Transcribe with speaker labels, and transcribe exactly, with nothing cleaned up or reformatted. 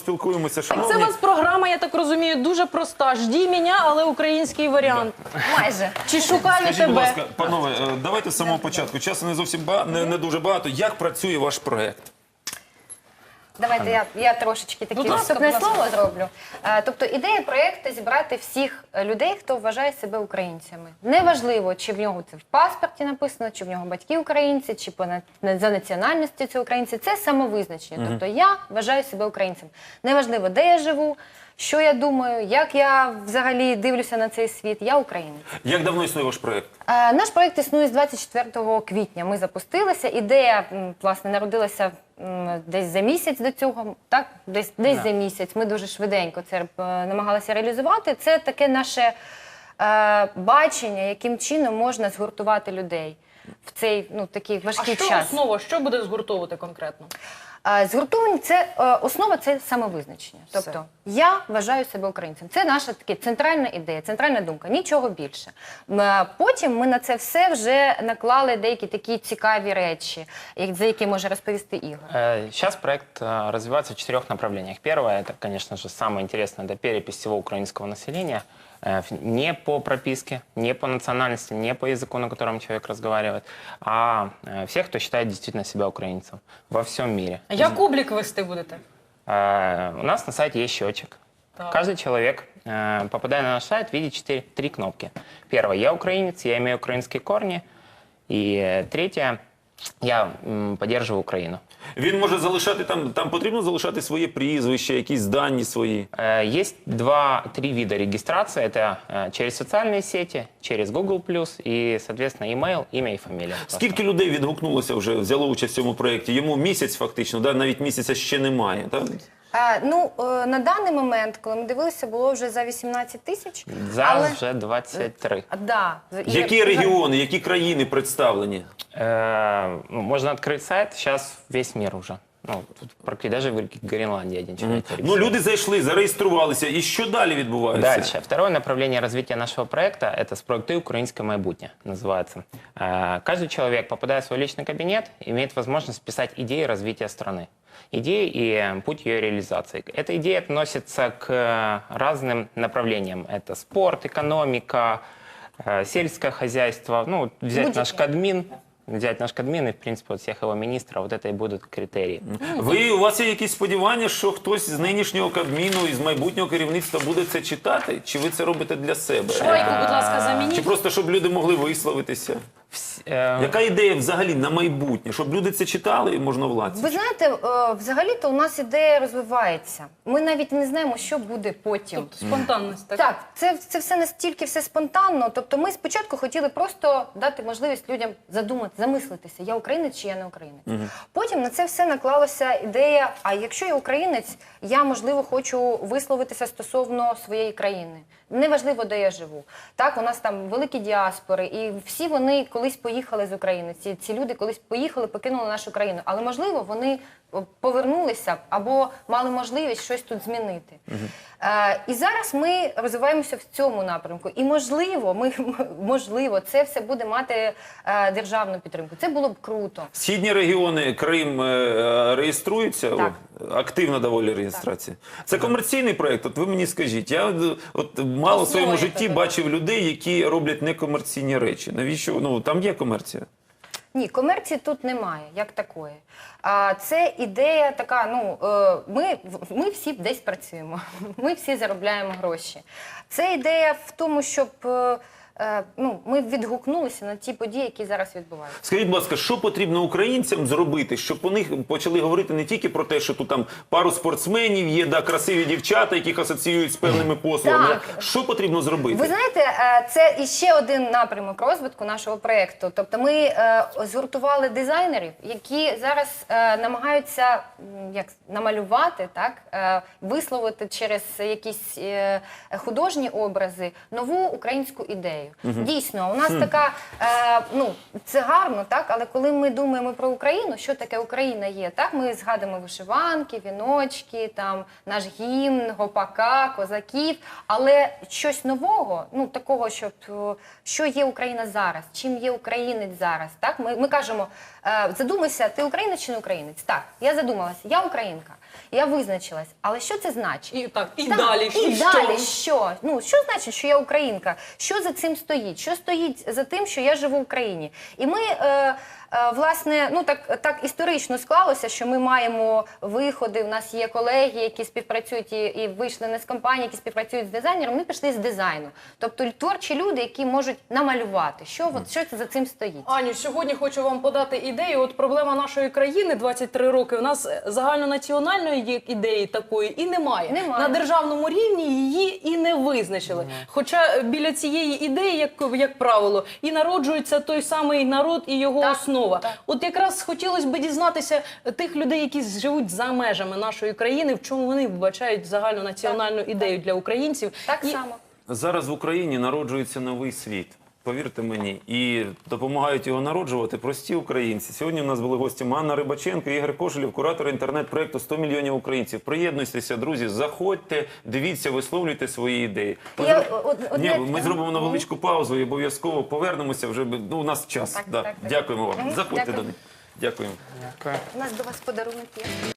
Speaker 1: поспілкуємося.
Speaker 2: Так це у
Speaker 1: Шановні,
Speaker 2: вас програма, я так розумію, дуже проста. Жді мене, але український варіант.
Speaker 3: Майже.
Speaker 2: Чи шукаю
Speaker 1: скажіть, будь
Speaker 2: тебе?
Speaker 1: ласка, панове, е, давайте з самого початку. Часу не зовсім ба... не, не дуже багато. Як працює ваш проект?
Speaker 3: Давайте я, я трошечки таке
Speaker 2: Будь ласка,
Speaker 3: вступне
Speaker 2: будь ласка.
Speaker 3: слово зроблю. Е, Тобто ідея проєкту зібрати всіх людей, хто вважає себе українцями. Неважливо, чи в нього це в паспорті написано, чи в нього батьки українці, чи по на- за національністю це українці. Це самовизначення. Тобто я вважаю себе українцем. Неважливо, де я живу, що я думаю, як я взагалі дивлюся на цей світ. Я українець.
Speaker 1: Як давно існує ваш проект?
Speaker 3: Е, Наш проєкт існує з двадцять четвертого квітня. Ми запустилися. Ідея, м, власне, народилася м, десь за місяць до цього. Так, десь, десь за місяць. Ми дуже швиденько це е, намагалися реалізувати. Це таке наше е, бачення, яким чином можна згуртувати людей в цей ну, такий
Speaker 2: А
Speaker 3: важкий
Speaker 2: що
Speaker 3: час.
Speaker 2: основа? Що буде згуртовувати конкретно?
Speaker 3: Е, Згуртовані це е, основа це самовизначення. Тобто я вважаю себе українцем. Це наша така центральна ідея, центральна думка, нічого більше. М, е, Потім ми на це все вже наклали деякі такі цікаві речі, як- за які може розповісти Ігор.
Speaker 4: Сейчас проект э, развивается в четырех направлениях. Первое, это, конечно же, самое интересное, это перепись всего украинского населения. Э, ф- Не по прописке, не по национальности, не по языку, на котором человек разговаривает, а э, всех, кто считает действительно себя украинцем во всем мире.
Speaker 2: А як облік вести будете?
Speaker 4: Э, У нас на сайте есть счетчик.
Speaker 2: Так.
Speaker 4: Каждый человек, э, попадая на наш сайт, видит четыре, три кнопки. Первое, я украинец, я имею украинские корни. И э, третье, я м, поддерживаю Украину.
Speaker 1: Він може залишати там, там потрібно залишати своє прізвище, якісь дані свої.
Speaker 4: Э, Есть два-три вида регистрации. Это э, через социальные сети, через Google+, и, соответственно, email, имя и фамилия.
Speaker 1: Скільки людей відгукнулося вже, взяло участь в цьому проєкті? Йому місяць фактично, да? Навіть місяця ще немає. Так?
Speaker 3: Е, Ну, е, на даний момент, коли ми дивилися, було вже за вісімнадцять тисяч.
Speaker 4: Зараз вже двадцять три.
Speaker 3: А, да. І-
Speaker 1: Які регіони, які країни представлені?
Speaker 4: Э, ну, Можно открыть сайт, сейчас весь мир уже. Ну, тут практически даже в Гренландии один человек.
Speaker 1: Ну, люди зайшли, зареєструвалися. І що далі відбувається?
Speaker 4: Дальше. Второе направление развития нашего проекта – это «Спроекты украинское майбутнє» называется. Э, Каждый человек, попадая в свой личный кабинет, имеет возможность писать идеи развития страны. Идеи и э, путь ее реализации. Эта идея относится к э, разным направлениям. Это спорт, экономика, э, сельское хозяйство. Ну, вот взять
Speaker 3: Будь-яке.
Speaker 4: наш Кадмин, взять наш Кадмин и, в принципе, вот всех его министров, вот это и будут критерии.
Speaker 1: Ви, у вас є якісь сподівання, що хтось з нинішнього Кабміну і з майбутнього керівництва буде це читати? Чи ви це робите для себе?
Speaker 2: Швайку, будь ласка,
Speaker 1: Чи
Speaker 2: замініть.
Speaker 1: просто, щоб люди могли висловитися?
Speaker 4: Вс- э,
Speaker 1: Яка ідея взагалі на майбутнє? Щоб люди це читали і можновладці?
Speaker 3: Ви знаєте, е, взагалі-то у нас ідея розвивається. Ми навіть не знаємо, що буде потім.
Speaker 2: Тобто спонтанність, так?
Speaker 3: Так, це, це все настільки все спонтанно. Тобто ми спочатку хотіли просто дати можливість людям задумати, замислитися, я українець чи я не українець. Потім на це все наклалася ідея, а якщо я українець, я, можливо, хочу висловитися стосовно своєї країни. Неважливо, де я живу. Так, у нас там великі діаспори, і всі вони колись поїхали з України. Ці, ці люди колись поїхали, покинули нашу країну. Але, можливо, вони повернулися б або мали можливість щось тут змінити. Е, і зараз ми розвиваємося в цьому напрямку. І, можливо, ми, можливо, це все буде мати е, державну підтримку. Це було б круто.
Speaker 1: Східні регіони, Крим е, реєструються?
Speaker 3: Так.
Speaker 1: О, активна доволі реєстрація. Це комерційний проєкт? От ви мені скажіть. Я от мало в своєму
Speaker 2: Основа
Speaker 1: житті
Speaker 2: яка,
Speaker 1: бачив людей, які роблять некомерційні речі. Навіщо? Ну, там є комерція.
Speaker 3: Ні, комерції тут немає, як такої. А це ідея така, ну, е, ми, ми всі десь працюємо, ми всі заробляємо гроші. Це ідея в тому, щоб е, е, ну, ми відгукнулися на ті події, які зараз відбуваються.
Speaker 1: Скажіть, будь ласка, що потрібно українцям зробити, щоб вони почали говорити не тільки про те, що тут там пару спортсменів є, да, красиві дівчата, яких асоціюють з певними послугами.
Speaker 3: Так.
Speaker 1: Що потрібно зробити?
Speaker 3: Ви знаєте, е, це іще один напрямок розвитку нашого проєкту. Тобто ми е, згуртували дизайнерів, які зараз е, намагаються м, як, намалювати, так, е, висловити через якісь е, художні образи нову українську ідею. ідею. Дійсно, у нас така, е, ну, це гарно, так, але коли ми думаємо про Україну, що таке Україна є, так, ми згадуємо вишиванки, віночки, там, наш гімн, гопака, козаків, але щось нового, ну, такого, щоб, о, що є Україна зараз, чим є українець зараз, так, ми, ми кажемо, е, задумайся, ти українець чи не українець? Так, я задумалася, я українка, я визначилась, але що це значить?
Speaker 2: І так, і
Speaker 3: Так,
Speaker 2: далі.
Speaker 3: і
Speaker 2: що?
Speaker 3: далі що? Ну, що значить, що я українка? Що за цим стоїть? Що стоїть за тим, що я живу в Україні? І ми, е, е, власне, ну так, так історично склалося, що ми маємо виходи, у нас є колеги, які співпрацюють і, і вийшли не з компанії, які співпрацюють з дизайнером, ми пішли з дизайну. Тобто творчі люди, які можуть намалювати, що, от, що це за цим стоїть.
Speaker 2: Аню, сьогодні хочу вам подати ідею. От проблема нашої країни двадцять три роки. У нас загальнонаціональної є ідеї такої і немає.
Speaker 3: Немає.
Speaker 2: На державному рівні її і не визначили. Хоча біля цієї ідеї, як, як правило, і народжується той самий народ і його
Speaker 3: Так,
Speaker 2: основа.
Speaker 3: так.
Speaker 2: От якраз хотілося б дізнатися тих людей, які живуть за межами нашої країни, в чому вони вбачають загальнонаціональну ідею для українців.
Speaker 3: Так
Speaker 2: І-
Speaker 3: само.
Speaker 1: Зараз в Україні народжується новий світ. Повірте мені, і допомагають його народжувати прості українці. Сьогодні у нас були гості Анна Рибаченко, Ігор Кошелєв, куратор інтернет-проєкту сто мільйонів українців. Приєднуйтеся, друзі, заходьте, дивіться, висловлюйте свої ідеї. Ми,
Speaker 3: Я,
Speaker 1: зро-
Speaker 3: од-
Speaker 1: Ні,
Speaker 3: одне-
Speaker 1: ми зробимо невеличку паузу і обов'язково повернемося. Вже ну, у нас час.
Speaker 3: Так,
Speaker 1: Да.
Speaker 3: так, так.
Speaker 1: Дякуємо вам.
Speaker 3: Мгм,
Speaker 1: Заходьте
Speaker 3: дякую.
Speaker 1: до них. Дякуємо.
Speaker 3: У нас до вас подарунок є.